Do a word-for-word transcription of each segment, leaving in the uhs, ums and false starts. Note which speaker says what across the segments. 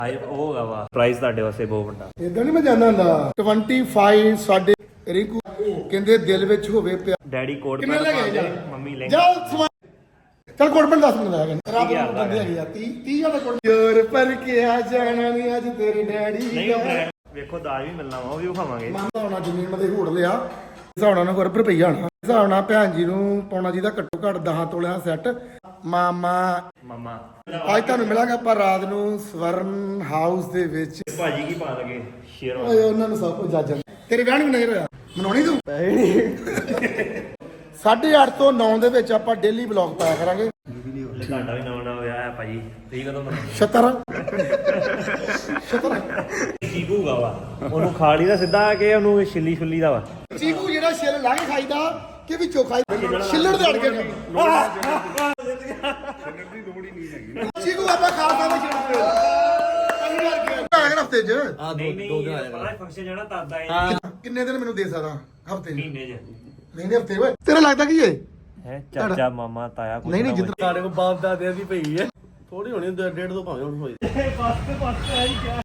Speaker 1: High ਉਹ ਹੋਗਾ ਵਾ ਪ੍ਰਾਈਸ ਤੁਹਾਡੇ ਵਾਸਤੇ ਬਹੁਤ ਵੱਡਾ।
Speaker 2: ਇਦਾਂ ਨਹੀਂ ਮੈਂ ਜਾਂਦਾ ਹੁੰਦਾ ਪੱਚੀ ਸਾਡੇ ਰਿੰਕੂ ਕਹਿੰਦੇ ਦਿਲ ਵਿੱਚ ਹੋਵੇ ਪਿਆ।
Speaker 1: ਡੈਡੀ ਕੋਟ
Speaker 2: ਕਿੰਨੇ ਲੈ ਗਏ ਜਾ
Speaker 1: ਮੰਮੀ ਲੈ
Speaker 2: ਜਾ ਚਲ ਕੋਟ ਪੈਂਟ ਦੱਸ ਮਿੰਟ ਲੱਗ ਗਏ ਰੱਬ ਨੂੰ ਬੰਦੇ ਹੈਗੇ ਆ ਤੀਹ ਤੀਹ ਦਾ ਕੋਟ ਯਾਰ ਪਰ ਕੇ ਆ ਜਾਣਾ ਨਹੀਂ ਅੱਜ ਤੇਰੇ ਡੈਡੀ
Speaker 1: ਨਹੀਂ ਵੇਖੋ ਦਾਜ ਵੀ ਮਿਲਣਾ ਵਾ ਉਹ ਵੀ ਖਾਵਾਂਗੇ।
Speaker 2: ਮਾਮਾ ਹੋਣਾ ਜ਼ਮੀਨ ਮਦੇ ਹੋੜ ਲਿਆ ਹਿਸਾਬ ਨਾਲ ਕੋਰ ਰੁਪਈਆ ਆਣਾ ਹਿਸਾਬ ਨਾਲ ਭੈਣ ਜੀ ਨੂੰ ਪਾਉਣਾ ਜਿਹਦਾ ਘੱਟੋ ਘੱਟ ਦਸ ਤੋਲਿਆਂ ਸੈੱਟ ਮਾਮਾ
Speaker 1: ਮਾਮਾ
Speaker 2: ਅੱਜ ਤੁਹਾਨੂੰ ਮਿਲਾਂਗੇ ਆਪਾਂ ਰਾਤ ਨੂੰ ਸਵਰਨ ਹਾਊਸ ਦੇ ਵਿੱਚ।
Speaker 1: ਭਾਜੀ ਕੀ ਪਾ ਲਗੇ ਸ਼ੇਰ
Speaker 2: ਓਏ ਉਹਨਾਂ ਨੂੰ ਸਭ ਕੁਝ ਜੱਜ ਤੇਰੇ ਵਿਆਹ ਨੂੰ ਨਹੀਂ ਹੋਇਆ ਮਨਾਉਣੀ ਤੂੰ ਸਾਢੇ ਅੱਠ ਤੋਂ ਨੌ ਦੇ ਵਿੱਚ ਆਪਾਂ ਡੇਲੀ ਵਲੌਗ ਪਾਇਆ ਕਰਾਂਗੇ।
Speaker 1: ਤੁਹਾਡਾ ਵੀ ਨਵਾਂ ਨਵਾਂ ਵਿਆਹ ਹੈ ਭਾਜੀ ਤੁਸੀਂ ਕਦੋਂ ਮਨਾਉਂਦੇ?
Speaker 2: ਛਤਰ ਛਤਰ
Speaker 1: ਚੀਕੂ ਗਾ ਵਾ ਉਹਨੂੰ ਖਾ ਲਈ ਦਾ ਸਿੱਧਾ ਕਿ ਉਹਨੂੰ ਛਿੱਲੀ ਛੁੱਲੀ ਦਾ ਵਾ।
Speaker 2: ਚੀਕੂ ਜਿਹੜਾ ਛਿੱਲ ਲਾ ਕੇ ਖਾਈਦਾ ਕਿ ਵਿੱਚੋਂ ਖਾਈਦਾ ਛਿੱਲੜ ਦੇ ਅੜ ਕੇ ਛਿੱਲਣ ਦੀ ਲੋੜ ਹੀ ਨਹੀਂ ਹੈਗੀ। ਚੀਕੂ ਆਪਾਂ ਖਾ ਖਾ ਕੇ ਛਿੱਲਣ ਹਫਤੇ ਚ
Speaker 1: ਆ ਦੋ ਦੋ ਦਿਨ ਆਇਆ ਫੰਕਸ਼ਨ ਜਾਣਾ ਤਦ ਆਏ
Speaker 2: ਕਿੰਨੇ ਦਿਨ ਮੈਨੂੰ ਦੇ ਸਕਦਾ ਹਫਤੇ
Speaker 1: ਮਹੀਨੇ ਚ
Speaker 2: ਮਹੀਨੇ ਹਫਤੇ ਓਏ ਤੇਰਾ ਲੱਗਦਾ ਕੀ ਏ
Speaker 1: ਹੈ ਚਾਚਾ ਮਾਮਾ ਤਾਇਆ ਕੁਝ
Speaker 2: ਨਹੀਂ ਨਹੀਂ ਜਿੱਦ
Speaker 3: ਸਾਡੇ ਕੋਲ ਬਾਪ ਦਾਦਿਆਂ ਦੀ ਪਈ ਹੈ ਥੋੜੀ ਹੋਣੀ ਡੇਢ ਤੋਂ ਭਾਵੇਂ ਹੁਣ ਹੋਈ
Speaker 1: ਬਸ ਬਸ ਆਈ ਕਿਆ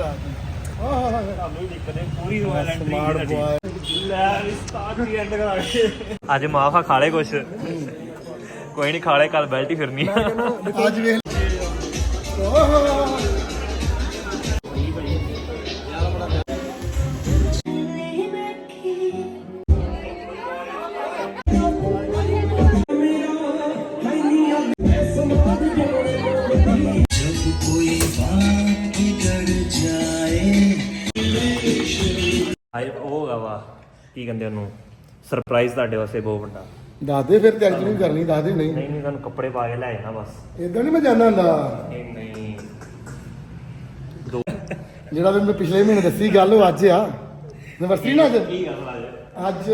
Speaker 1: ਸਾਨੂੰ ਦਿੱਕਤ ਹੈ ਪੂਰੀ ਰੋਇਲ ਐਂਟਰੀ
Speaker 2: ਸਮਾਰਟ ਬॉय
Speaker 1: ਲੈ ਸਟਾਰਟ ਦੀ ਐਂਡ ਕਰਾ ਕੇ ਅੱਜ ਮਾਫਾ ਖਾ ਲੈ ਕੁਛ ਕੋਈ ਨਹੀਂ ਖਾ ਲੈ ਕੱਲ ਬੈਲਟ ਹੀ ਫਿਰਨੀ
Speaker 2: ਅੱਜ ਵੇਖ
Speaker 1: ਹਾਈ ਉਹ ਹੋਗਾ ਵਾ ਕੀ ਕਹਿੰਦੇ ਉਹਨੂੰ ਸਰਪ੍ਰਾਈਜ਼ ਤੁਹਾਡੇ ਵਾਸਤੇ ਬਹੁਤ ਵੱਡਾ।
Speaker 2: ਦੱਸਦੇ ਫਿਰ ਤਿਆਰੀ ਨਹੀਂ ਕਰਨੀ ਦੱਸਦੇ ਨਹੀਂ
Speaker 1: ਨਹੀਂ ਨਹੀਂ ਤੁਹਾਨੂੰ ਕੱਪੜੇ ਪਾ ਕੇ ਲੈ ਜਾਣਾ ਬਸ।
Speaker 2: ਇਦਾਂ ਨਹੀਂ ਮੈਂ ਜਾਂਦਾ ਹੁੰਦਾ
Speaker 1: ਨਹੀਂ ਨਹੀਂ ਦੋ
Speaker 2: ਜਿਹੜਾ ਵੀ ਮੈਂ ਪਿਛਲੇ ਮਹੀਨੇ ਦੱਸੀ ਗੱਲ ਉਹ ਅੱਜ ਆ ਯੂਨੀਵਰਸਿਟੀ ਨਾ ਅੱਜ
Speaker 1: ਕੀ ਗੱਲ ਆ
Speaker 2: ਅੱਜ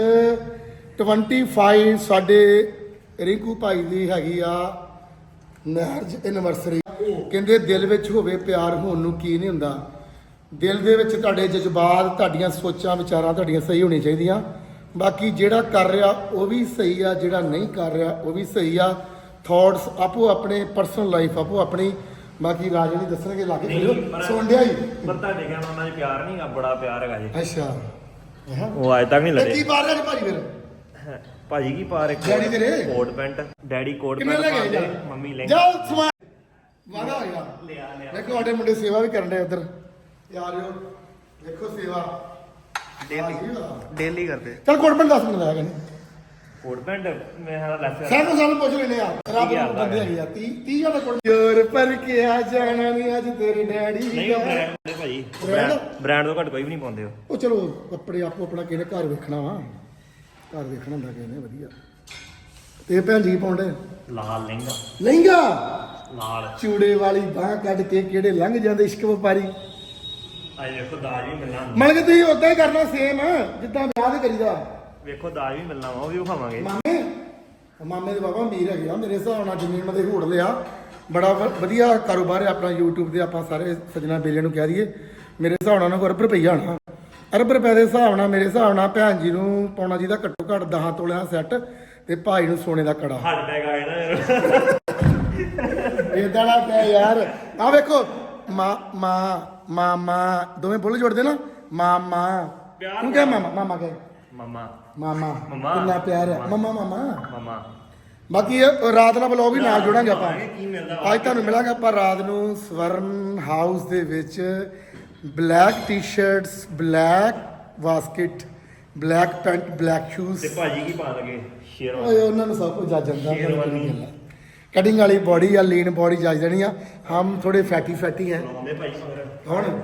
Speaker 2: ਪੱਚੀ ਸਾਡੇ ਰਿੰਕੂ ਭਾਈ ਦੀ ਹੈਗੀ ਆ ਮੈਰਿਜ ਐਨਵਰਸਰੀ। ਕਹਿੰਦੇ ਦਿਲ ਵਿੱਚ ਹੋਵੇ ਪਿਆਰ ਹੋਣ ਨੂੰ ਕੀ ਨਹੀਂ ਹੁੰਦਾ। ਦਿਲ ਦੇ ਵਿੱਚ ਤੁਹਾਡੇ ਜਜ਼ਬਾਤ ਤੁਹਾਡੀਆਂ ਸੋਚਾਂ ਵਿਚਾਰਾਂ ਤੁਹਾਡੀਆਂ ਸਹੀ ਹੋਣੀਆਂ ਚਾਹੀਦੀਆਂ। ਬਾਕੀ ਜਿਹੜਾ ਕਰ ਰਿਹਾ ਉਹ ਵੀ ਸਹੀ ਆ ਜਿਹੜਾ ਨਹੀਂ ਕਰ ਰਿਹਾ ਉਹ ਵੀ ਸਹੀ ਆ। ਥਾਟਸ ਆਪੋ ਆਪਣੇ ਪਰਸਨਲ ਲਾਈਫ ਆਪੋ ਆਪਣੀ। ਬਾਕੀ ਰਾਜੇ ਨਹੀਂ ਦੱਸਣਗੇ ਲਾ ਕੇ ਸੁਣ ਡਿਆ ਹੀ
Speaker 1: ਪਰ ਤੁਹਾਡੇ ਕਹਿਣ ਉਹਨਾਂ 'ਚ ਪਿਆਰ ਨਹੀਂ ਗਾ ਬੜਾ ਪਿਆਰ ਹੈਗਾ ਜੀ।
Speaker 2: ਅੱਛਾ
Speaker 1: ਉਹ ਅੱਜ ਤੱਕ ਨਹੀਂ ਲੜੇ।
Speaker 2: ਕੀ ਪਾ ਰਿਹਾ ਜੀ ਭਾਜੀ ਫਿਰ
Speaker 1: ਭਾਜੀ ਕੀ ਪਾ ਰਹੇ
Speaker 2: ਡੈਡੀ ਤੇਰੇ
Speaker 1: ਕੋਟ ਪੈਂਟ ਡੈਡੀ ਕੋਟ
Speaker 2: ਕਿੰਨੇ
Speaker 1: ਪੈਂਟ
Speaker 2: ਲੈ ਗਏ
Speaker 1: ਪਾਉਂਦੇ
Speaker 2: ਜਾ
Speaker 1: ਮੰਮੀ ਲੈ
Speaker 2: ਜਾ ਸਮਾਨ ਵਾਦਾ ਹੋ ਗਿਆ
Speaker 1: ਲਿਆ ਲਿਆ
Speaker 2: ਦੇਖੋ ਸਾਡੇ ਮੁੰਡੇ ਸੇਵਾ ਵੀ ਕਰਨ ਦੇ ਉਧਰ ਯਾਰਿਓ ਦੇਖੋ ਸੇਵਾ
Speaker 3: ਡੇਲੀ ਡੇਲੀ ਕਰਦੇ
Speaker 2: ਚਲ ਕੋਟ ਪੈਂਟ ਦੱਸ ਮਿੰਟ ਲੱਗ ਗਏ
Speaker 1: ਕੋਟ ਪੈਂਟ ਮੈਂ ਹਾਂ ਲੈਫਟ
Speaker 2: ਸਾਨੂੰ ਸਾਨੂੰ ਪੁੱਛ ਲੈਨੇ ਆ ਰੱਬ ਨੂੰ ਬੰਦੇ ਹੈਗੇ ਆ ਤੀਹ ਤੀਹ ਦਾ ਕੋਟ ਯਾਰ ਪਰ ਕੇ ਆ ਜਾਣਾ ਨਹੀਂ ਅੱਜ ਤੇਰੇ ਡੈਡੀ
Speaker 1: ਨਹੀਂ ਉਹ ਬ੍ਰਾਂਡ ਦੇ ਭਾਜੀ
Speaker 2: Brand?
Speaker 1: ਬ੍ਰਾਂਡ ਤੋਂ ਘੱਟ ਕੋਈ ਵੀ ਨਹੀਂ ਪਾਉਂਦੇ ਉਹ।
Speaker 2: ਉਹ ਚਲੋ ਕੱਪੜੇ ਆਪੋ ਆਪਣਾ ਕਿਹਨੇ ਘਰ ਵੇਖਣਾ ਵਾ ਘਰ ਵੇਖਣਾ ਹੁੰਦਾ ਕਿਹਨੇ ਵਧੀਆ ਤੇ ਭੈਣ ਜੀ ਪਾਉਂਦੇ
Speaker 1: ਲਾਲ ਲਹਿੰਗਾ
Speaker 2: ਲਹਿੰਗਾ
Speaker 1: ਲਾਲ
Speaker 2: ਚੂੜੇ ਵਾਲੀ ਬਾਹ ਕੱਢ ਕੇ ਕਿਹੜੇ ਲੰਘ ਜਾਂਦੇ ਇਸ਼ਕ ਵਪਾਰੀ।
Speaker 1: ਅੱਜ ਵੇਖੋ ਦਾਜ ਵੀ ਮਿਲਣਾ
Speaker 2: ਮਤਲਬ ਕਿ ਤੁਸੀਂ ਉਦਾਂ ਹੀ ਕਰਨਾ ਸੇਮ ਜਿੱਦਾਂ ਵਿਆਹ ਦੇ ਕਰੀਦਾ।
Speaker 1: ਵੇਖੋ ਦਾਜ ਵੀ ਮਿਲਣਾ ਵਾ ਉਹ ਵੀ ਖਾਵਾਂਗੇ।
Speaker 2: ਮਾਮੇ ਉਹ ਮਾਮੇ ਦੇ ਬਾਬਾ ਅਮੀਰ ਹੈਗੇ ਆ ਮੇਰੇ ਹਿਸਾਬ ਨਾਲ ਜ਼ਮੀਨ ਮਦੇ ਹੋੜ ਲਿਆ ਬੜਾ ਵ- ਵਧੀਆ ਕਾਰੋਬਾਰ ਹੈ ਆਪਣਾ YouTube ਤੇ ਆਪਾਂ ਸਾਰੇ ਸੱਜਣਾ ਬੇਲੀਆਂ ਨੂੰ ਕਹਿ ਦਈਏ ਮੇਰੇ ਹਿਸਾਬ ਨਾਲ ਉਹਨਾਂ ਕੋਲ ਅਰਬ ਰੁਪਈਆ ਆਣਾ ਅਰਬ ਰੁਪਏ ਦੇ ਹਿਸਾਬ ਨਾਲ ਮੇਰੇ ਹਿਸਾਬ ਨਾਲ ਭੈਣ ਜੀ ਨੂੰ ਪਾਉਣਾ ਜਿਹਦਾ ਘੱਟੋ ਘੱਟ ਦਸ ਤੋਲਿਆਂ ਸੈੱਟ ਤੇ ਭਾਈ ਨੂੰ ਸੋਨੇ ਦਾ ਕੜਾ
Speaker 1: ਹੱਡ ਟੈਗ ਆ ਜਾਣਾ
Speaker 2: ਇਦਾਂ ਨਾ ਕਹਿ ਯਾਰ ਆ ਵੇਖੋ ਮਾਂ ਮਾਂ ਮਾਮਾ ਦੋਵੇਂ ਬੁੱਲ ਜੋੜਦੇ ਨਾ ਮਾਮਾ ਤੂੰ ਕਹਿ ਮਾਮਾ ਮਾਮਾ ਕਹਿ
Speaker 1: ਮਮਾ
Speaker 2: ਮਾਮਾ
Speaker 1: ਮਮਾ।
Speaker 2: ਕਿੰਨਾ ਪਿਆਰ ਹੈ ਮਮਾ ਮਾਮਾ
Speaker 1: ਮਮਾ
Speaker 2: ਬਾਕੀ ਇਹ ਰਾਤ ਨਾਲ ਬਲੌਗ ਵੀ ਨਾਲ ਜੋੜਾਂਗੇ ਆਪਾਂ
Speaker 1: ਕੀ ਮਿਲਦਾ
Speaker 2: ਅੱਜ ਤੁਹਾਨੂੰ ਮਿਲਾਂਗੇ ਆਪਾਂ ਰਾਤ ਨੂੰ ਸਵਰਨ ਹਾਊਸ ਦੇ ਵਿੱਚ black t-shirts black basket black pant black shoes
Speaker 1: ਤੇ ਭਾਜੀ ਕੀ ਪਾ ਲਗੇ ਸ਼ੇਰ
Speaker 2: ਓਏ ਉਹਨਾਂ ਨੂੰ ਸਭ ਕੁਝ ਜੱਜ ਜਾਂਦਾ
Speaker 1: ਸ਼ੇਰਵਾਨੀ।
Speaker 2: ਕਟਿੰਗ ਵਾਲੀ ਬੋਡੀ ਆ ਲੀਨ ਬੋਡੀ ਜੱਜ ਦੇਣੀ ਆ ਹਮ ਥੋੜੇ ਫੈਟੀ ਫੈਟੀ ਹੈ
Speaker 1: ਆਉਂਦੇ ਭਾਈ ਮਗਰ
Speaker 2: ਹੁਣ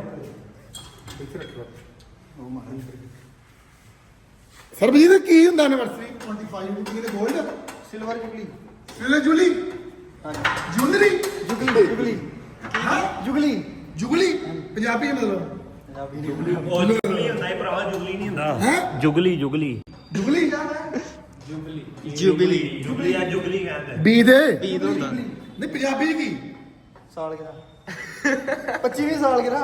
Speaker 2: ਸਰਬਜੀਤ ਕੀ ਹੁੰਦਾ ਐਨਵਰਸਰੀ ਪੱਚੀ ਨੂੰ ਕੀ ਤੇ ਗੋਲਡ
Speaker 3: ਸਿਲਵਰ ਜੁਗਲੀ
Speaker 2: ਸਿਲੇ ਜੁਲੀ ਜੁਲਰੀ
Speaker 3: ਜੁਗਲੀ ਜੁਗਲੀ
Speaker 2: ਹਾਂ
Speaker 3: ਜੁਗਲੀ
Speaker 2: ਜੁਗਲੀ ਪੰਜਾਬੀ ਮਤਲਬ
Speaker 1: ਉਹ ਜੁਗਲੀ ਹੁੰਦਾ ਹੈ ਭਰਾਵਾ ਜੁਗਲੀ ਨਹੀਂ ਹੁੰਦਾ
Speaker 2: ਹੈਂ?
Speaker 1: ਜੁਗਲੀ ਜੁਗਲੀ
Speaker 2: ਜੁਗਲੀ
Speaker 3: ਜੁਗਲੀ
Speaker 1: ਜੁਗਲੀ ਆ ਜੁਗਲੀ ਕਹਿੰਦੇ
Speaker 2: ਬੀ ਦੇ
Speaker 3: ਈਦ ਹੁੰਦਾ
Speaker 2: ਨਹੀਂ ਪੰਜਾਬੀ ਕੀ
Speaker 3: ਸਾਲ ਗਿਰਾ ਪੱਚੀਵੀਂ ਸਾਲ ਗਿਰਾ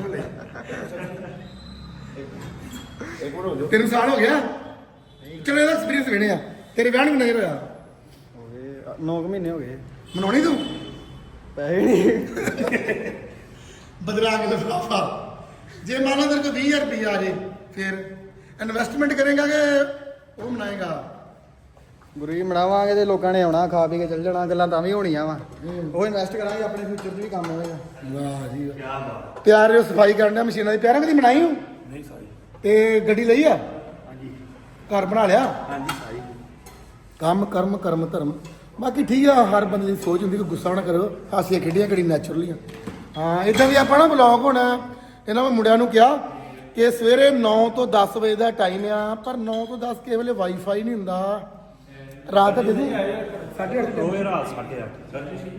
Speaker 2: ਤੈਨੂੰ ਸਾਲ ਹੋ ਗਿਆ ਚਲੋ ਇਹਦਾ ਐਕਸਪੀਰੀਅੰਸ ਲੈਣੇ ਆ ਤੇਰੇ ਵਿਆਹ ਨੂੰ ਨਹੀਂ ਹੋਇਆ
Speaker 3: ਹੋ ਗਏ ਨੌ ਮਹੀਨੇ ਹੋ ਗਏ
Speaker 2: ਮਨਾਉਣੀ ਤੂੰ
Speaker 3: ਪੈਸੇ ਨਹੀਂ
Speaker 2: ਬਦਲਾ ਕੇ ਲਿਫਾਫਾ। ਜੇ ਮੰਨ ਲਾ ਤੇਰੇ ਕੋਲ ਵੀਹ ਹਜ਼ਾਰ ਰੁਪਈਆ ਆ ਜੇ ਫਿਰ ਇਨਵੈਸਟਮੈਂਟ ਕਰੇਗਾ ਕਿ ਉਹ ਬਣਾਏਗਾ?
Speaker 4: ਗੁਰੂ ਜੀ ਬਣਾਵਾਂਗੇ ਤੇ ਲੋਕਾਂ ਨੇ ਆਉਣਾ ਖਾ ਪੀ ਕੇ ਚੱਲ ਜਾਣਾ, ਗੱਲਾਂ ਤਾਂ ਵੀ ਹੋਣੀਆਂ ਵਾ। ਉਹ ਇਨਵੈਸਟ ਕਰਾਂਗੇ ਆਪਣੇ ਫਿਊਚਰ 'ਚ ਵੀ ਕੰਮ ਆਵੇਗਾ।
Speaker 2: ਵਾਹ ਜੀ ਵਾਹ। ਤਿਆਰ ਹੋ ਸਫਾਈ ਕਰਨ ਦਾ ਮਸ਼ੀਨਾਂ ਦੀ ਪਿਆਰਾਂ ਕਦੀ ਬਣਾਈ ਹੋ?
Speaker 3: ਨਹੀਂ ਸਾਰੀ।
Speaker 2: ਤੇ ਗੱਡੀ ਲਈ ਆ?
Speaker 3: ਹਾਂਜੀ
Speaker 2: ਘਰ ਬਣਾ ਲਿਆ?
Speaker 3: ਹਾਂਜੀ ਸਾਰੀ।
Speaker 2: ਕੰਮ ਕਰਮ ਕਰਮ ਧਰਮ ਬਾਕੀ ਠੀਕ ਆ। ਹਰ ਬੰਦੇ ਦੀ ਸੋਚ ਹੁੰਦੀ ਕਿ ਗੁੱਸਾ ਨਾ ਕਰੋ, ਹਾਸੀਆਂ ਖੇਡੀਆਂ ਘੜੀ ਨੈਚੁਰਲੀ ਆ। ਹਾਂ ਇਦਾਂ ਵੀ ਆਪਾਂ ਨਾ ਬਲੌਗ ਹੋਣਾ ਇਹਨਾਂ ਮੈਂ ਮੁੰਡਿਆਂ ਨੂੰ ਕਿਹਾ ਕਿ ਸਵੇਰੇ ਨੌ ਤੋਂ ਦਸ ਵਜੇ ਦਾ ਟਾਈਮ ਆ, ਪਰ ਨੌ ਤੋਂ ਦਸ ਕਿਸੇ ਵੇਲੇ ਵਾਈਫਾਈ ਨਹੀਂ ਹੁੰਦਾ। ਰਾਤ ਦੇ ਸਾਢੇ ਅੱਠ
Speaker 1: ਦੋਵੇਂ ਰਾਤ ਸਾਢੇ ਅੱਠ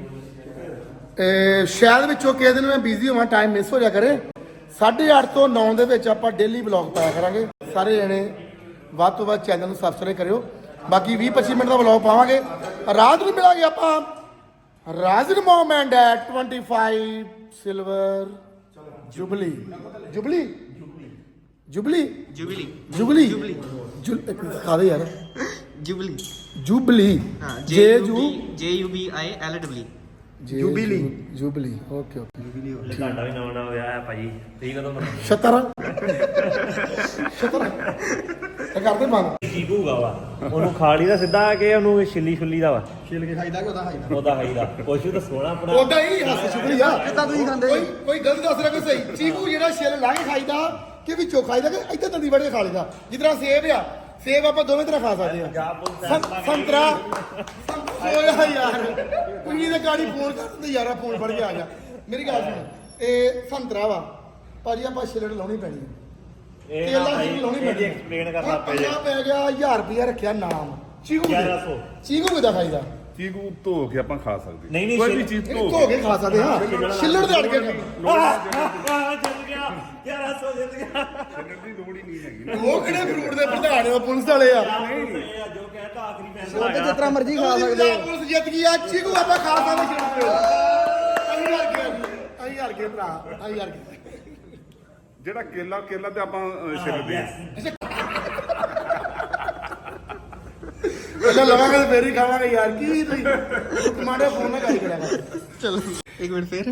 Speaker 2: ਤੇ ਸ਼ਾਇਦ ਵਿੱਚੋਂ ਕਿਸੇ ਦਿਨ ਮੈਂ ਬਿਜ਼ੀ ਹੋਵਾਂ, ਟਾਈਮ ਮਿਸ ਹੋ ਜਾ ਕਰੇ। ਸਾਢੇ ਅੱਠ ਤੋਂ ਨੌ ਦੇ ਵਿੱਚ ਆਪਾਂ ਡੇਲੀ ਬਲੌਗ ਪਾਇਆ ਕਰਾਂਗੇ। ਸਾਰੇ ਜਣੇ ਵੱਧ ਤੋਂ ਵੱਧ ਚੈਨਲ ਨੂੰ ਸਬਸਕ੍ਰਾਈਬ ਕਰਿਓ। ਬਾਕੀ ਵੀਹ ਪੱਚੀ ਮਿੰਟ ਦਾ ਬਲੌਗ ਪਾਵਾਂਗੇ। ਰਾਤ ਨੂੰ ਮਿਲਾਂਗੇ ਆਪਾਂ ਰਾਜਨ ਮੋਮੈਂਟ ਐਟ ਪੱਚੀ silver jubilee jubilee jubilee
Speaker 5: jubilee
Speaker 2: jubilee ਜੁਲ ਇੱਕ ਦਿਖਾ ਦੇ ਯਾਰ।
Speaker 5: जुबली
Speaker 2: ਜੁਬਲੀ
Speaker 5: हाँ
Speaker 2: ਜੇ
Speaker 5: जे
Speaker 2: ਜੂ
Speaker 5: J U B I L W
Speaker 2: jubilee jubilee okay okay.
Speaker 1: ਤੁਹਾਡਾ ਵੀ ਨਵਾਂ ਨਵਾਂ ਵਿਆਹ ਹੈ ਭਾਜੀ, ਤੁਸੀਂ ਕਦੋਂ ਮਨਾਉਂਦੇ?
Speaker 2: ਛਤਰ ਛਤਰ ਇਹ ਕਰਦੇ ਬੰਦ।
Speaker 1: ਚੀਕੂ ਗਾ ਵਾ ਉਹਨੂੰ ਖਾ ਲਈ ਦਾ ਸਿੱਧਾ ਕਿ ਉਹਨੂੰ ਛਿੱਲੀ ਛੁੱਲੀ ਦਾ ਵਾ?
Speaker 4: ਛਿਲ ਕੇ ਖਾਈਦਾ ਕਿ ਉਹਦਾ ਖਾਈਦਾ?
Speaker 1: ਉਹਦਾ ਖਾਈਦਾ। ਪੁੱਛੂ ਤਾਂ ਸੋਹਣਾ ਆਪਣਾ
Speaker 2: ਉਦਾਂ ਹੀ ਹੱਸ ਸ਼ੁਕਰੀ ਆ।
Speaker 4: ਕਿੱਦਾਂ ਤੁਸੀਂ ਖਾਂਦੇ?
Speaker 2: ਕੋਈ ਕੋਈ ਗਲਤ ਦੱਸ ਰਿਹਾ ਕੋਈ ਸਹੀ। ਚੀਕੂ ਜਿਹੜਾ ਛਿੱਲ ਲਾ ਕੇ ਖਾਈਦਾ ਕਿ ਵਿੱਚੋਂ ਖਾਈਦਾ ਕਿ ਇੱਧਰ ਦੰਦੀ ਵੜ ਕੇ ਖਾ ਲਈਦਾ? ਜਿਸ ਤਰ੍ਹਾਂ ਸੇਬ ਆ, ਸੇਬ ਆਪਾਂ ਦੋਵੇਂ ਤਰ੍ਹਾਂ ਖਾ ਸਕਦੇ ਆ। ਸੰ- ਸੰਤਰਾ ਓਏ ਯਾਰ ਕੁੜੀ ਦੇ ਗਾੜੀ ਫੋਨ ਕਰ ਦਿੰਦੇ ਯਾਰਾ, ਫੋਨ ਫੜ ਕੇ ਆ ਗਿਆ। ਮੇਰੀ ਗੱਲ ਸੁਣ, ਇਹ ਸੰਤਰਾ ਵਾ ਭਾਜੀ, ਆਪਾਂ ਛਿੱਲੜ ਲਾਉਣੀ ਪੈਣੀ ਹੈ।
Speaker 1: ਇਹ
Speaker 2: ਕੇਲਾ
Speaker 1: ਨਾ
Speaker 2: ਛਿੱਲੜ ਲਾਉਣੀ ਪੈਣੀ ਹੈ।
Speaker 1: ਐਕਸਪਲੇਨ ਕਰਨਾ ਪੈ
Speaker 2: ਪੰਜਾਹ
Speaker 1: ਜਾ।
Speaker 2: ਪੈ ਗਿਆ ਹਜ਼ਾਰ ਰੁਪਇਆ ਰੱਖਿਆ ਨਾਮ ਚੀਕੂ ਦੇ।
Speaker 1: ਗਿਆਰਾਂ ਸੌ।
Speaker 2: ਚੀਕੂ ਕਿੱਦਾਂ ਖਾਈਦਾ?
Speaker 6: ਚੀਕੂ ਧੋ ਕੇ ਆਪਾਂ ਖਾ ਸਕਦੇ
Speaker 1: ਨਹੀਂ, ਨਹੀਂ,
Speaker 6: ਕੋਈ ਵੀ
Speaker 1: ਛਿੱਲ-
Speaker 6: ਚੀਜ਼
Speaker 2: ਇਹ
Speaker 6: ਧੋ
Speaker 2: ਧੋ ਕੇ ਖਾ ਸਕਦੇ ਹਾਂ। ਛਿੱਲੜ ਦੇ ਅੜ ਕੇ
Speaker 1: ਆਹ ਜਿੱਤ ਗਿਆ ਗਿਆਰਾਂ ਸੌ ਜਿੱਤ ਗਿਆ।
Speaker 6: ਛੱਡਣ ਦੀ ਲੋੜ ਹੀ ਨਹੀਂ ਹੈਗੀ।
Speaker 2: ਉਹ ਕਿਹੜੇ ਫਰੂਟ ਦੇ ਪ੍ਰਧਾਨ ਆ, ਪੁਲਿਸ ਵਾਲੇ ਆ।
Speaker 1: ਜੋ ਕਹਿੰਦਾ ਆਖਰੀ ਫੈਸਲਾ
Speaker 4: ਉਹ ਤੇ
Speaker 1: ਹੈਗਾ।
Speaker 4: ਜਿਸ ਤਰ੍ਹਾਂ ਮਰਜ਼ੀ ਖਾ ਸਕਦੇ ਆ।
Speaker 2: ਪੁਲਿਸ ਜਿੱਤ ਗਈ ਆ। ਚੀਕੂ ਆਪਾਂ ਖਾ ਸਕਦੇ ਛਿੱਲੜ। ਅਸੀਂ ਹਾਰ ਗਏ ਅਸੀਂ ਹਾਰ ਗਏ ਭਰਾ ਅਸੀਂ ਹਾਰ ਗਏ।
Speaker 6: ਜਿਹੜਾ ਕੇਲਾ ਕੇਲਾ ਤੇ ਆਪਾਂ ਅਹ, ਛਿੱਲਦੇ ਆ।
Speaker 2: ਪਹਿਲਾਂ ਲਵਾਂਗੇ ਤੇ ਫੇਰ ਹੀ ਖਾਵਾਂਗੇ ਯਾਰ। ਕੀ ਤੁਸੀਂ ਕਮਾਂਡੇ ਫੋਨ ਨਾਲ ਗੱਲ ਕਰਿਆ ਕਰ।
Speaker 5: चलो एक मिनट फिर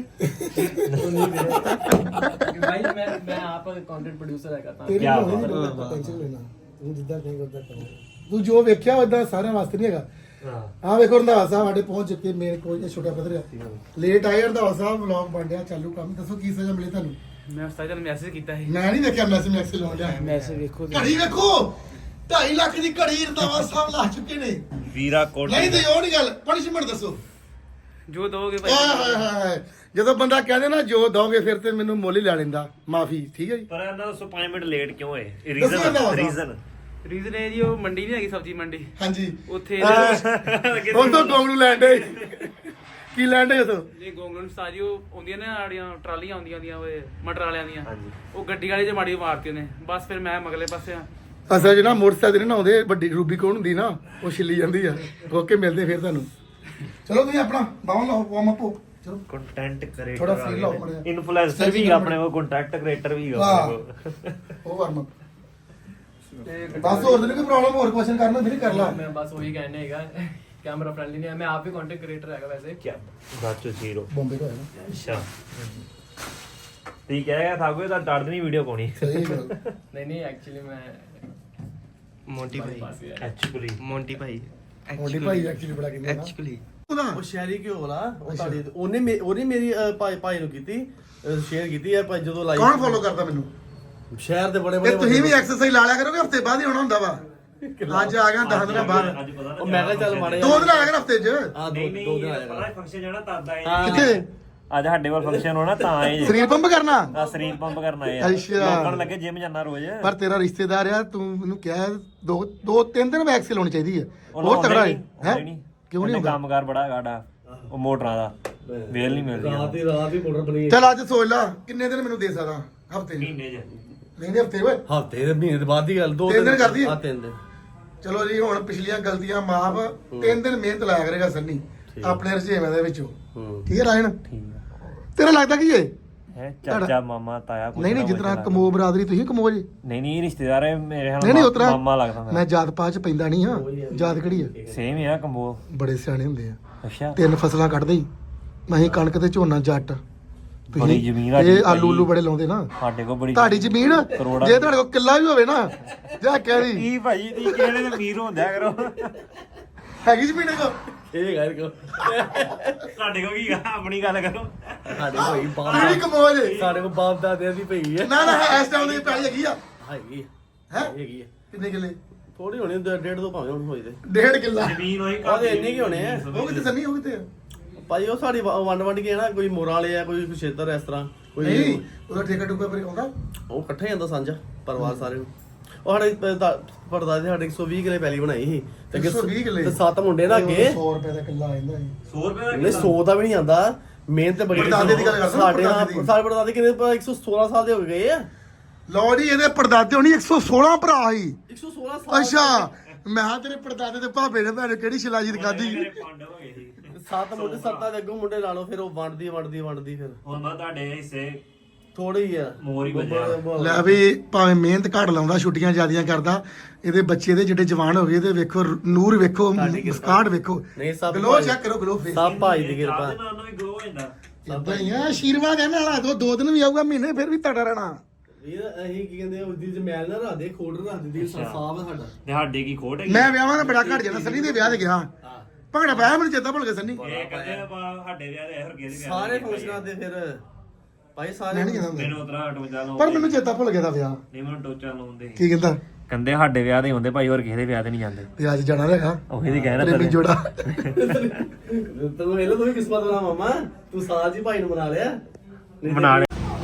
Speaker 7: भाई मैं मैं आप कंटेंट प्रोड्यूसर है करता
Speaker 2: ਤੇਰੀ
Speaker 1: ਕਿਆ
Speaker 2: ਹੋਣੀ
Speaker 1: ਬਾਤ
Speaker 2: ਨਹੀਂ ਪਤਾ, ਟੈਨਸ਼ਨ ਲੈਣਾ। ਤੂੰ ਜਿੱਦਾਂ ਕਹੇਂਗਾ ਉਦਾਂ ਕਰਾਂਗੇ। ਤੂੰ ਜੋ ਵੇਖਿਆ ਉਦਾਂ ਸਾਰਿਆਂ ਵਾਸਤੇ ਨਹੀਂ ਹੈਗਾ। ਹਾਂ ਵੇਖੋ ਰੰਧਾਵਾ ਸਾਹਿਬ ਸਾਡੇ ਪਹੁੰਚ ਚੁੱਕੇ। ਮੇਰੇ ਕੋਲ ਇਹ ਛੋਟਾ ਪੱਧਰ ਆ। ਲੇਟ ਆਏ ਰੰਧਾਵਾ ਸਾਹਿਬ, ਵਲੌਗ ਬਣ ਰਿਹਾ ਚਾਲੂ। ਕੰਮ ਦੱਸੋ ਕੀ ਸਜ਼ਾ ਮਿਲੀ ਤੁਹਾਨੂੰ?
Speaker 7: मैं उस्ताद ने मैसेज किया है
Speaker 2: ਮੈਂ ਨਹੀਂ ਦੇਖਿਆ ਮੈਸੇਜ ਮੈਸੇਜ ਲਾਉਣ ਡਿਆ।
Speaker 7: मैसेज देखो
Speaker 2: ਘੜੀ ਵੇਖੋ ਢਾਈ ਲੱਖ ਦੀ ਘੜੀ ਰੰਧਾਵਾ ਸਾਹਿਬ ਲਾ ਚੁੱਕੇ ਨੇ।
Speaker 1: ਵੀਰਾ ਕੋਟ
Speaker 2: ਨਹੀਂ ਤੇ ਉਹ ਨਹੀਂ ਗੱਲ, ਪਨਿਸ਼ਮੈਂਟ ਦੱਸੋ।
Speaker 7: जो दोगे
Speaker 2: ਹਾਏ ਹਾਏ ਹਾਏ ਜਦੋਂ ਬੰਦਾ ਕਹਿੰਦੇ ਨਾ ਜੋ ਦੋਗੇ ਫਿਰ ਤੇ ਮੈਨੂੰ ਮੁੱਲ ਹੀ ਲੈ ਲੈਂਦਾ। ਮਾਫੀ ਠੀਕ ਹੈ ਜੀ।
Speaker 1: ਪਰ ਇਹਨਾਂ ਦੱਸੋ ਪੰਜ ਮਿੰਟ ਲੇਟ ਕਿਉਂ ਹੋਏ?
Speaker 2: ਦੱਸੋ
Speaker 1: ਰੀਜ਼ਨ
Speaker 2: ਨਾ।
Speaker 1: ਰੀਜ਼ਨ
Speaker 7: ਰੀਜ਼ਨ है जी वो मंडी नहीं हैगी सब्जी मंडी
Speaker 2: ਹਾਂਜੀ
Speaker 7: ਉੱਥੇ
Speaker 2: ਉਹ ਤੋਂ ਗੋਂਗਲੂ ਲੈਂਡੇ ਕੀ ਲੈਂਡੇ ਉਥੋਂ?
Speaker 7: ਜੇ ਗੋਂਗਲੂ ਸਾਜੀ ਉਹ ਆਉਂਦੀਆਂ ਨੇ ਆੜੀਆਂ ਟਰਾਲੀਆਂ ਆਉਂਦੀਆਂ ਦੀਆਂ ਓਏ ਮਟਰ ਵਾਲਿਆਂ ਦੀਆਂ
Speaker 1: ਹਾਂਜੀ।
Speaker 7: ਉਹ ਗੱਡੀ ਵਾਲੇ 'ਚ ਮਾੜੀ ਮਾਰਤੀ ਉਹਨੇ। ਬਸ ਫਿਰ ਮੈਂ ਮਗਲੇ ਪਾਸੇ ਆ।
Speaker 2: ਅਸਲ ਜਿਹੜਾ ਮੋਟਰਸਾਈਕਲ ਨਾ ਆਉਂਦੇ ਵੱਡੀ ਰੂਬੀ ਕੌਣ ਹੁੰਦੀ ਨਾ, ਉਹ ਛਿੱਲੀ ਜਾਂਦੀ ਆ। ਓਕੇ ਮਿਲਦੇ ਫਿਰ ਤੁਹਾਨੂੰ। ਚਲੋ ਤੁਸੀਂ ਆਪਣਾ ਬਾਹਰ ਲਾਓ ਵਾਰਮ ਅਪ। ਚਲੋ
Speaker 1: ਕੰਟੈਂਟ ਕ੍ਰੀਏਟਰ
Speaker 2: ਥੋੜਾ feel ਲਾਓ ਮਾੜਾ ਜਿਹਾ।
Speaker 1: ਇਨਫਲੂਐਂਸਰ ਵੀ ਹੈਗਾ ਆਪਣੇ ਕੋਲ, ਕੰਟੈਂਟ ਕ੍ਰੀਏਟਰ ਵੀ ਹੈਗਾ
Speaker 2: ਹਾਂ।
Speaker 1: ਆਪਣੇ ਕੋਲ।
Speaker 2: ਉਹ ਵਾਰਮ ਅਪ ਬਸ। ਹੋਰ ਤਾਂ ਨਹੀਂ ਕੋਈ ਪ੍ਰੋਬਲਮ? ਹੋਰ ਕੁਐਸਚਨ ਕਰਨਾ ਨਹੀਂ ਕਰ ਲਾ।
Speaker 7: मैं बस वही कहने हैगा कैमरा फ्रेंडली नहीं है। मैं आप भी कंटेंट क्रिएटर हैगा वैसे
Speaker 1: क्या ਗਾਚੋ ਜ਼ੀਰੋ।
Speaker 2: ਬੰਬੇ ਤੋਂ ਆਇਆ ਨਾ।
Speaker 1: ਅੱਛਾ ਠੀਕ ਹੈ ਥਾਗੋ ਤਾਂ ਡਰਦ ਨਹੀਂ ਵੀਡੀਓ ਪਾਉਣੀ।
Speaker 2: ਸਹੀ ਗੱਲ।
Speaker 7: नहीं नहीं एक्चुअली मैं
Speaker 5: मोंटी भाई
Speaker 7: पास ही है।
Speaker 1: ਐਕਚੁਅਲੀ
Speaker 5: मोंटी भाई
Speaker 2: ਮੋਢੀ ਭਾਈ ਐਕਚੁਅਲੀ ਬੜਾ ਕਹਿੰਦੇ ਨਾ।
Speaker 5: एक्चुअली
Speaker 2: ਉਹਦਾ
Speaker 3: ਉਹ ਸ਼ਹਿਰੀ ਘਿਓ ਵਾਲਾ ਉਹ ਤੁਹਾਡੀ ਉਹਨੇ ਮੇ- ਉਹਨੇ ਮੇਰੀ ਅਹ, ਭਾਈ ਭਾਈ ਨੂੰ ਕੀਤੀ ਸ਼ੇਅਰ ਕੀਤੀ ਹੈ ਭਾਈ ਜਦੋਂ ਲਾਈਵ
Speaker 2: ਕੌਣ ਫੋਲੋ ਕਰਦਾ ਮੈਨੂੰ?
Speaker 3: ਸ਼ਹਿਰ ਦੇ ਬੜੇ
Speaker 2: ਤੇ
Speaker 3: ਬੜੇ
Speaker 2: ਤੁਸੀਂ ਵੀ ਐਕਸਰਸਾਈਜ਼ ਲਾ ਲਿਆ ਕਰੋਗੇ। ਹਫਤੇ ਬਾਅਦ ਹੀ ਹੋਣਾ ਹੁੰਦਾ ਵਾ। ਅੱਜ ਆ ਗਿਆ ਦਸ ਦਿਨਾਂ ਬਾਅਦ।
Speaker 1: ਅੱਜ ਪਤਾ
Speaker 3: ਉਹ ਮੈਂ ਕਿਹਾ ਚੱਲ ਮਾੜੇ
Speaker 2: ਦੋ ਦਿਨ ਆ ਗਿਆ ਹਫਤੇ 'ਚ।
Speaker 3: ਆ ਦੋ
Speaker 1: ਨਹੀਂ
Speaker 3: ਦੋ
Speaker 1: ਨਹੀਂ
Speaker 3: ਦਿਨ ਆ
Speaker 1: ਪਤਾ
Speaker 3: ਜਾਣਾ
Speaker 1: ਫੰਕਸ਼ਨ ਜਾਣਾ ਤਦ ਆਏ
Speaker 3: ਹਾਂ।
Speaker 2: ਕਿੱਥੇ?
Speaker 1: ਅੱਜ ਸਾਡੇ ਕੋਲ ਫੰਕਸ਼ਨ ਹੋਣਾ ਤਾਂ ਆਏ
Speaker 2: ਸਰੀਰ ਪੰਪ ਕਰਨਾ?
Speaker 1: ਆ ਸਰੀਰ ਪੰਪ ਕਰਨ ਆਏ ਆ।
Speaker 2: ਅੱਛਾ।
Speaker 1: ਲੋਕਾਂ ਨੂੰ ਲੱਗੇ ਜਿਮ ਜਾਣਾ ਰੋਜ਼।
Speaker 2: ਪਰ ਤੇਰਾ ਰਿਸ਼ਤੇਦਾਰ ਆ, ਤੂੰ ਮੈਨੂੰ ਕਿਹਾ ਦੋ ਦੋ ਤਿੰਨ ਦਿਨ ਵੈਕਸੀਨ ਲਾਉਣੀ ਚਾਹੀਦੀ ਹੈ।
Speaker 1: ਉਹਨੂੰ
Speaker 2: ਹੋਰ ਤਗੜਾ ਹੈ
Speaker 1: ਆਉਂਦਾ ਹੀ ਨਹੀਂ।
Speaker 2: ਕਿਉਂ ਨਹੀਂ
Speaker 1: ਉਹਨੇ
Speaker 2: ਹੁੰਦਾ?
Speaker 1: ਕੰਮਕਾਰ ਬੜਾ ਗਾੜਾ ਉਹ ਮੋਟਰਾਂ ਦਾ ਵੇਲ ਨਹੀਂ ਮਿਲਦੀ
Speaker 3: ਰਾਤ ਹੀ ਰਾਤ ਹੀ ਪਾਊਡਰ ਬਣੀ
Speaker 2: ਚਲ ਅੱਜ ਸੋਚ ਲਾ ਕਿੰਨੇ ਦਿਨ ਮੈਨੂੰ ਦੇ ਸਕਦਾ ਹਫਤੇ ਨਹੀਂ
Speaker 1: ਮਹੀਨੇ 'ਚ।
Speaker 2: ਨਹੀਂ ਹਫਤੇ ਓਏ।
Speaker 3: ਹਫਤੇ ਦੇ ਮਹੀਨੇ ਦੇ ਬਾਅਦ ਦੀ ਗੱਲ ਦੋ
Speaker 2: ਤਿੰਨ ਦਿਨ ਕਰਦੀ ਹੈ?
Speaker 3: ਆ ਤਿੰਨ ਦਿਨ
Speaker 2: ਚਲੋ ਜੀ ਹੁਣ ਪਿਛਲੀਆਂ ਗਲਤੀਆਂ ਮਾਫ। ਤਿੰਨ ਦਿਨ ਮਿਹਨਤ ਲਾਇਆ ਕਰੇਗਾ ਸੰਨੀ ਆਪਣੇ ਰਜੇਵੇਂ ਦੇ ਵਿੱਚੋਂ।
Speaker 3: ਹੂੰ
Speaker 2: ਠੀਕ ਹੈ ਰਾਇਣ?
Speaker 1: ਠੀਕ ਆ
Speaker 2: ਤੇਰਾ ਲੱਗਦਾ ਕੀ ਏ?
Speaker 1: ਹੈ ਚਾਚਾ ਮਾਮਾ ਤਾਇਆ ਕੁਛ
Speaker 2: ਨਹੀਂ ਨਹੀਂ
Speaker 1: ਨਾ
Speaker 2: ਜਿਤਨਾ
Speaker 1: ਕੁਛ
Speaker 2: ਕਮੋ ਬਰਾਦਰੀ ਤੁਸੀਂ ਕਮੋ ਜੀ।
Speaker 1: ਨਹੀਂ ਨਹੀਂ ਰਿਸ਼ਤੇਦਾਰ ਹੈ ਮੇਰੇ
Speaker 2: ਨਹੀਂ ਨਹੀਂ
Speaker 1: ਹਾਲ
Speaker 2: ਉਤਰਾ
Speaker 1: ਮਾਮਾ ਲੱਗਦਾ
Speaker 2: ਮੈਂ ਜਾਤ ਪਾਤ ਚ ਪੈਂਦਾ ਨਹੀਂ ਹਾਂ। ਜਾਤ ਕਿਹੜੀ ਆ?
Speaker 1: ਸੇਮ ਆ ਕੰਬੋ।
Speaker 2: ਬੜੇ ਸਿਆਣੇ ਹੁੰਦੇ ਆ।
Speaker 1: ਅੱਛਾ
Speaker 2: ਤਿੰਨ ਫਸਲਾਂ ਕੱਢਦੇ ਹੀ। ਅਸੀਂ ਕਣਕ ਤੇ ਝੋਨਾ ਜੱਟ
Speaker 1: ਬੜੀ ਜ਼ਮੀਨ ਆ
Speaker 2: ਇਹ ਆਲੂ ਉਲੂ ਬੜੇ ਲਾਉਂਦੇ ਨਾ
Speaker 1: ਸਾਡੇ ਕੋਲ ਬੜੀ
Speaker 2: ਤੁਹਾਡੀ ਜ਼ਮੀਨ
Speaker 1: ਕਰੋੜਾਂ
Speaker 2: ਜੇ ਤੁਹਾਡੇ ਕੋਲ ਕਿੱਲਾ ਵੀ ਹੋਵੇ ਨਾ ਜਾਂ ਕਹਿ ਦੀ
Speaker 1: ਕੀ ਭਾਜੀ ਤੀ ਕਿਹੜੇ ਦੇ ਅਮੀਰ ਹੁੰਦਿਆ ਕਰੋ
Speaker 2: ਹੈਗੀ ਜ਼ਮੀਨ ਕੋ
Speaker 3: ਇਹ ਗੱਲ ਕੋ
Speaker 1: ਸਾਡੇ ਕੋਲ ਕੀ ਆ, ਆਪਣੀ ਗੱਲ ਕਰੋ
Speaker 3: ਸਾਡੇ ਕੋਈ ਬਾਪ
Speaker 2: ਕਿਹੜੀ ਕਮੋਜ
Speaker 3: ਸਾਡੇ ਕੋ ਬਾਪ ਦਾਦਿਆਂ ਦੀ ਪਈ ਹੈ
Speaker 2: ਨਾ ਨਾ ਇਸ ਟਾਈਮ ਦੀ ਪੈਲੀ ਹੈਗੀ ਆ
Speaker 3: ਹੈਗੀ
Speaker 2: ਹੈ
Speaker 3: ਹੈਗੀ ਹੈ
Speaker 2: ਕਿੰਨੇ ਕਿੱਲੇ
Speaker 3: ਥੋੜੀ ਹੋਣੀ ਡੇਢ ਤੋਂ ਭਾਵੇਂ ਹੋਈ ਤੇ
Speaker 2: ਡੇਢ ਕਿੱਲਾ
Speaker 1: ਜ਼ਮੀਨ ਹੋਈ
Speaker 3: ਉਹਦੇ ਇੰਨੇ ਕੀ ਹੋਣੇ ਆ
Speaker 2: ਉਹ ਕਿਤੇ ਸੰਨੀ ਉਹ ਕਿਤੇ
Speaker 3: ਭਾਜੀ ਉਹ ਸਾਡੀ ਵ- ਵੰਡ ਵੰਡ ਕੇ ਨਾ ਕੋਈ ਮੋਰਾਂ ਵਾਲੇ ਆ ਕੋਈ ਖੇਤਰ ਇਸ ਤਰ੍ਹਾਂ ਕੋਈ
Speaker 2: ਨਹੀਂ ਉਹਦਾ ਠੇਕਾ ਟੁਕਾ ਪਰ ਆਉਂਦਾ
Speaker 3: ਉਹ ਇਕੱਠਾ ਹੀ ਜਾਂਦਾ ਸਾਂਝਾ ਪਰਿਵਾਰ ਸਾਰੇ ਨੂੰ ਉਹ ਸਾਡੇ ਪਰਦਾਦੇ ਸਾਡੇ ਇੱਕ ਸੌ ਵੀਹ ਕਿਲੇ ਪੈਲੀ ਬਣਾਈ ਸੀ ਤੇ ਅੱਗੇ
Speaker 2: ਇੱਕ ਸੌ ਵੀਹ ਕਿੱਲੇ?
Speaker 3: ਤੇ ਸੱਤ ਮੁੰਡੇ ਨਾ ਅੱਗੇ
Speaker 2: ਸੌ ਰੁਪਏ ਦਾ ਕਿੱਲਾ ਆਉਂਦਾ ਜੀ
Speaker 1: ਸੌ ਰੁਪਏ ਦਾ
Speaker 3: ਨਹੀਂ ਸੌ ਦਾ ਵੀ ਨਹੀਂ ਆਂਦਾ ਮਿਹਨਤ ਬੜੀ
Speaker 2: ਪੜਦਾਦੇ ਦੀ ਗੱਲ ਕਰਦਾ,
Speaker 3: ਸਾਡੇ ਨਾਲ
Speaker 2: ਪੜਦਾਦੇ ਦੀ।
Speaker 3: ਸਾਡੇ ਪਰਦਾਦੇ ਕਿੰਨੇ ਇੱਕ ਸੌ ਸੋਲਾਂ ਸਾਲ ਦੇ ਹੋ ਗਏ ਆ
Speaker 2: ਲਓ ਜੀ ਇਹਦੇ ਪੜਦਾਦੇ ਹੋਣੀ ਇੱਕ ਸੌ ਸੋਲਾਂ ਭਰਾ ਸੀ
Speaker 3: ਇੱਕ ਸੌ ਸੋਲਾਂ ਸਾਲ
Speaker 2: ਅੱਛਾ ਮੈਂ ਕਿਹਾ ਤੇਰੇ ਪੜਦਾਦੇ ਤੇ ਭਾਪੇ ਨੇ ਭੈਣ ਕਿਹੜੀ ਸ਼ਿਲਾਜੀਤ ਖਾਦੀ
Speaker 1: ਪੰਡ ਹੋ ਗਏ ਸੀ
Speaker 3: ਸੱਤ ਮੁੰਡੇ ਸੱਤਾਂ ਦੇ ਅੱਗੋਂ ਮੁੰਡੇ ਲਾ ਲਓ ਫਿਰ ਉਹ ਵੰਡਦੀ ਵੰਡਦੀ ਵੰਡਦੀ ਫਿਰ
Speaker 1: ਹੁਣ ਮੈਂ ਤੁਹਾਡੇ ਹਿੱਸੇ
Speaker 3: ਥੋੜੇ ਹੀ ਆ
Speaker 1: ਮੋਰ ਹੀ ਵੱਜਿਆ।
Speaker 2: ਲੈ ਵੀ ਭਾਵੇਂ ਮਿਹਨਤ ਘੱਟ ਲਾਉਂਦਾ ਛੁੱਟੀਆਂ ਜ਼ਿਆਦੀਆਂ ਕਰਦਾ ਇਹਦੇ ਬੱਚੇ ਦੇ ਜਿਹੜੇ ਜਵਾਨ ਹੋ ਗਏ ਤੇ ਵੇਖੋ ਨੂਰ ਵੇਖੋ ਮੁਸਕਾਟ ਵੇਖੋ
Speaker 3: ਨਹੀਂ ਸਭ
Speaker 2: ਗਲੋ
Speaker 3: ਭਾਈ-
Speaker 2: ਚੈੱਕ ਕਰੋ ਗਲੋ ਫੇਸ
Speaker 3: ਸਭ ਭਾਈ ਦੀ ਕਿਰਪਾ
Speaker 1: ਸਾਡੇ ਨਾਲ ਵੀ ਗਲੋ ਹੋ ਜਾਂਦਾ
Speaker 2: ਇਦਾਂ ਹੀ ਆ ਆਸ਼ੀਰਵਾਦ ਹੈ ਨਾਲ ਦੋ ਦੋ ਦਿਨ ਵੀ ਆਊਗਾ ਮਹੀਨੇ ਫਿਰ ਵੀ ਤੜਾ ਰਹਿਣਾ
Speaker 3: ਇਹ ਅਸੀਂ ਕੀ ਕਹਿੰਦੇ ਉਹਦੀ ਜਮੈਲ ਨਾ ਰੱਖਦੇ ਖੋੜ ਰੱਖਦੇ ਦੀ ਸਾਫ ਹੈ ਸਾਡਾ
Speaker 1: ਤੇ ਸਾਡੇ ਕੀ ਖੋਟ ਹੈਗੀ
Speaker 2: ਮੈਂ ਵਿਆਹਾਂ ਦਾ ਬੜਾ ਘੱਟ ਜਾਂਦਾ ਸੰਨੀ ਦੇ ਵਿਆਹ ਤੇ ਗਿਆ ਭੰਗੜਾ ਪਾਇਆ ਮੈਨੂੰ ਚੇਤਾ ਭੁੱਲ ਗਿਆ ਸੰਨੀ
Speaker 1: ਇਹ ਕਹਿੰਦੇ ਆਪਾਂ ਸਾਡੇ ਵਿਆਹ ਦੇ ਹੋਰ ਕਿਸੇ ਦੇ ਵਿਆਹ
Speaker 3: ਸਾਰੇ ਫੰਕਸ਼ਨਾਂ ਦੇ ਫਿਰ ਭਾਈ ਸਾਰੇ
Speaker 2: ਮੈਂ ਨਹੀਂ ਕਹਿੰਦਾ ਹੁੰਦਾ।
Speaker 1: ਮੈਨੂੰ ਉਤਰਾ ਟੋਚਾ ਲਾਉਂਦੇ
Speaker 2: ਪਰ ਮੈਨੂੰ ਚੇਤਾ ਭੁੱਲ ਗਿਆ ਦਾ ਵਿਆਹ
Speaker 1: ਨਹੀਂ ਮੈਨੂੰ ਟੋਚਾ ਲਾਉਂਦੇ
Speaker 2: ਕੀ ਕਹਿੰਦਾ
Speaker 1: ਕਹਿੰਦੇ ਸਾਡੇ ਵਿਆਹ ਦੇ ਹੁੰਦੇ ਭਾਈ ਹੋਰ ਕਿਸੇ ਦੇ ਵਿਆਹ ਤੇ ਨਹੀਂ ਜਾਂਦੇ
Speaker 2: ਤੇ ਅੱਜ ਜਾਣਾ ਰਹੇਗਾ
Speaker 1: ਉਹੀ ਦੀ ਕਹਿਣਾ
Speaker 2: ਪ੍ਰੇਮੀ ਜੋੜਾ
Speaker 3: ਤੂੰ ਵੇਲੇ ਤੂੰ ਵੀ ਕਿਸਮਤ ਵਾਲਾ ਮਾਮਾ ਤੂੰ ਸਾਜ ਹੀ ਭਾਈ ਨੂੰ ਬਣਾ ਲਿਆ ਨਹੀਂ ਤੇ-
Speaker 1: ਬਣਾ ਲਿਆ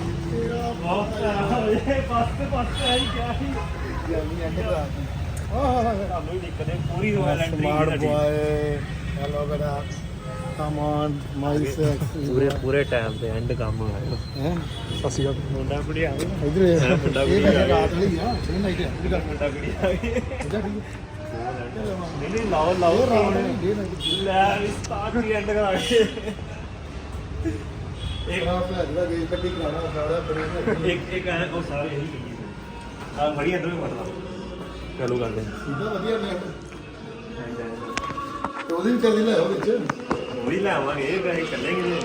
Speaker 2: ਸਮਾਰਟ ਬॉय ਹੈਲੋ ਬੇਟਾ ਕਮ ਔਨ ਮਾਈ ਸੈਕਸ
Speaker 1: ਪੂਰੇ ਪੂਰੇ ਟਾਈਮ ਤੇ ਐਂਡ ਕੰਮ ਹੋਇਆ
Speaker 2: ਹੈ ਸਸੀ ਗਾ
Speaker 1: ਮੁੰਡਾ ਕੁੜੀ ਆ ਗਈ
Speaker 2: ਇਧਰ ਇਹ
Speaker 1: ਮੁੰਡਾ
Speaker 2: ਇਹ
Speaker 1: ਕੁੜੀ
Speaker 2: ਵੈਸੇ ਰਾਤ ਲਈ ਆ ਇਹ ਨਹੀਂ ਤੇ ਇਧਰ
Speaker 1: ਮੁੰਡਾ ਕੁੜੀ ਆ ਗਈ
Speaker 2: ਇਧਰ ਠੀਕ
Speaker 1: ਨਹੀਂ ਨਹੀਂ ਲਾਓ ਲਾਓ ਲੈ ਵੀ ਸਟਾਰਟ ਹੀ ਐਂਡ ਕਰਾ ਕੇ
Speaker 2: ਇੱਕ ਰਾਤ ਦਾ ਜਿਹੜਾ ਗੇਜ ਕੱਢੀ ਕਰਾਣਾ ਸਾਰਾ ਬੜੇ
Speaker 1: ਇੱਕ ਇੱਕ ਐ ਉਹ ਸਾਰੇ ਇਹੀ ਕਹੀ ਆ ਬੜੀ ਅੰਦਰ ਵੀ ਮਤਲਬ ਚਲੋ ਕਰਦੇ
Speaker 2: ਸਿੱਧਾ ਵਧੀਆ ਨੇ ਤੇ ਉਹਦੀ ਵੀ ਚੱਲਦੀ ਲੈ ਉਹ ਵਿੱਚ
Speaker 1: ਉਹ ਹੀ ਲਾਵਾਂਗੇ ਇਹ ਵੈਸੇ ਚੱਲੇਗੇ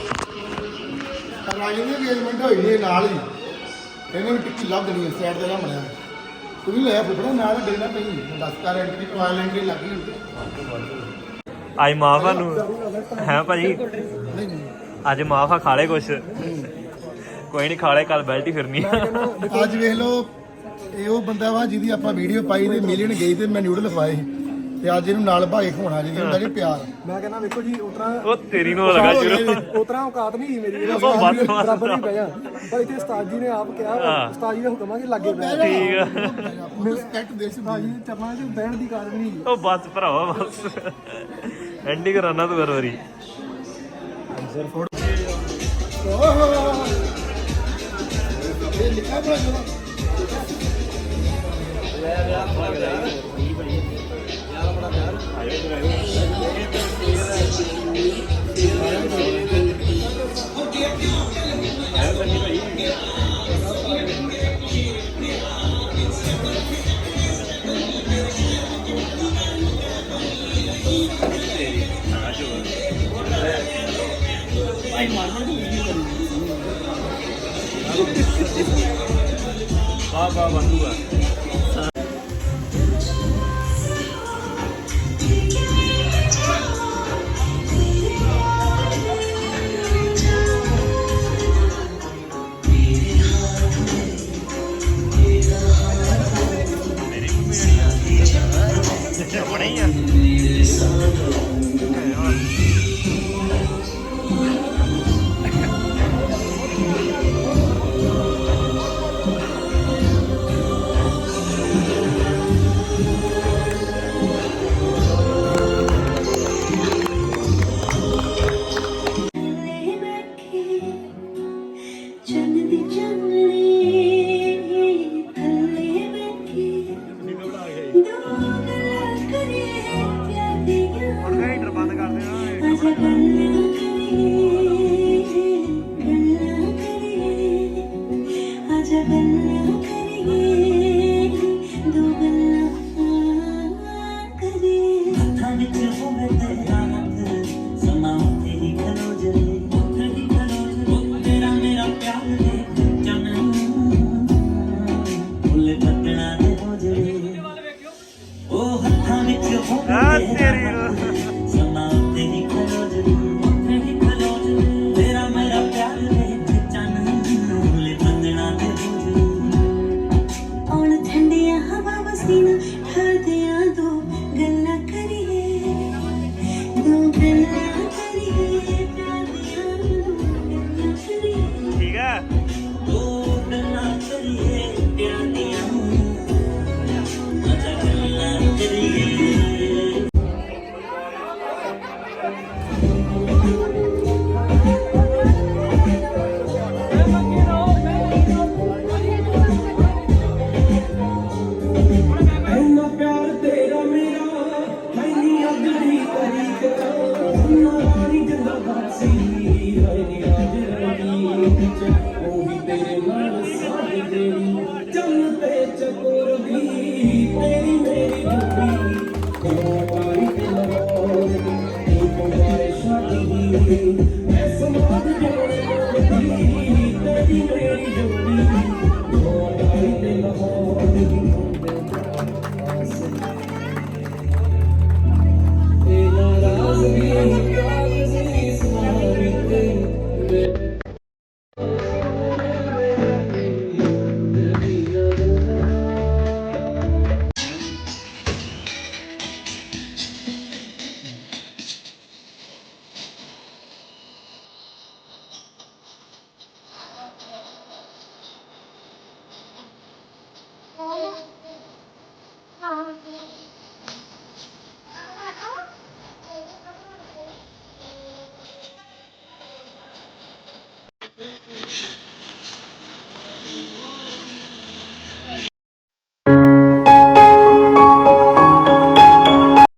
Speaker 2: ਰਾਜਨ ਦੀ engagement ਹੋਈ ਨੇ ਨਾਲ ਹੀ ਇਹਨੇ ਵੀ ਟਿੱਕੀ ਲੱਭ ਦੇਣੀ ਸਾਈਡ ਤੇ ਨਾ ਬਣਿਆ ਤੂੰ ਵੀ ਲੈ ਫੁੱਟਣਾ ਨਾਲ ਡੇਣਾ ਪਈ ਦਸ ਕਾਰ ਐਂਟਰੀ ਟ੍ਰਾਇਲ ਐਂਟਰੀ ਲੱਗੀ ਹੁੰਦੀ
Speaker 1: ਅੱਜ ਮਾਫਾ ਨੂੰ ਹੈ ਭਾਜੀ
Speaker 2: ਨਹੀਂ ਨਹੀਂ
Speaker 1: ਅੱਜ ਮਾਫਾ ਖਾ ਲੈ ਕੁਛ ਕੋਈ ਨਹੀਂ ਖਾ ਲੈ ਕੱਲ ਬੈਲਟ ਹੀ ਫਿਰਨੀ ਆ
Speaker 2: ਅੱਜ ਵੇਖ ਲਓ ਇਹ ਉਹ ਬੰਦਾ ਵਾ ਜਿਹਦੀ ਆਪਾਂ ਵੀਡੀਓ ਪਾਈ ਤੇ ਮਿਲੀਅਨ ਗਈ ਤੇ ਮੈਂ ਨਿਊਡਲ ਖਵਾਏ ਤੇ ਅੱਜ ਇਹਨੂੰ ਨਾਲ ਭਾਗੇ ਖਵਾਉਣਾ ਜਿਹਦੀ ਹੁੰਦਾ ਜੀ ਪਿਆਰ
Speaker 4: ਮੈਂ ਕਹਿੰਦਾ ਵੇਖੋ ਜੀ ਉਤਰਾ
Speaker 1: ਉਹ ਤੇਰੀ ਨੂੰ ਲਗਾ ਸ਼ੁਰੂ
Speaker 4: ਉਤਰਾ ਔਕਾਤ ਨਹੀਂ ਸੀ ਮੇਰੀ
Speaker 1: ਉਹ ਬਸ ਬਸ।
Speaker 4: ਬਰਾਬਰ ਹੀ ਬਹਿ ਜਾ ਪਰ ਇੱਥੇ ਉਸਤਾਦ ਜੀ ਨੇ ਆਪ ਕਿਹਾ
Speaker 1: ਹਾਂ।
Speaker 4: ਉਸਤਾਦ ਜੀ ਦੇ ਹੁਕਮਾਂ ਦੇ ਲਾਗੇ ਬਹਿ ਜਾ
Speaker 1: ਠੀਕ ਆ
Speaker 2: ਰਿਸਪੈਕਟ ਦੇ ਸੀ
Speaker 4: ਉਸਤਾਦ ਜੀ ਦੇ ਚਰਨਾਂ 'ਚ ਬਹਿਣ ਦੀ ਕਾਰਨ ਨਹੀਂ
Speaker 1: ਉਹ ਬਸ ਭਰਾਵਾ ਬਸ ਐਂਡੀ ਕਰਾਣਾ ਤੂੰ ਹਰ ਵਾਰੀ
Speaker 2: ਇਹ ਲਿਖਾ ਬੜਾ ਜਵਾ
Speaker 1: ਵਾਹ ਵਾਹ ਬੰਦੂਆ ਬਣੇ ਹੀ ਆ
Speaker 8: ਚੰਦੀ ਚੰਦਨੀ ਥੱਲੇ ਬੈਠੀ ਦੋ ਗੱਲਾਂ ਕਰੀਏ ਪਿਆਰੀਆਂ ਹੁਣ
Speaker 1: ਹੀਟਰ ਬੰਦ ਕਰ ਦੇਣਾ
Speaker 8: ਅਜਾ ਗੱਲਾਂ ਕਰੀਏ ਗੱਲਾਂ ਕਰੀਏ ਅਜਾ ਗੱਲਾਂ ਕਰੀਏ ਦੋ ਗੱਲਾਂ ਕਰੀਏ ਹੱਥਾਂ ਵਿੱਚ ਹੋਵੇ ਤੇਰਾ ਹੱਥ ਸਮਾਂ ਉੱਤੇ ਹੀ ਖਲੋ ਜਲੇ ਉੱਤੇ ਹੀ ਖਲੋ ਜਲੇ ਤੇਰਾ तेरे नाल साथ तेरी चल पे चकोर भी तेरी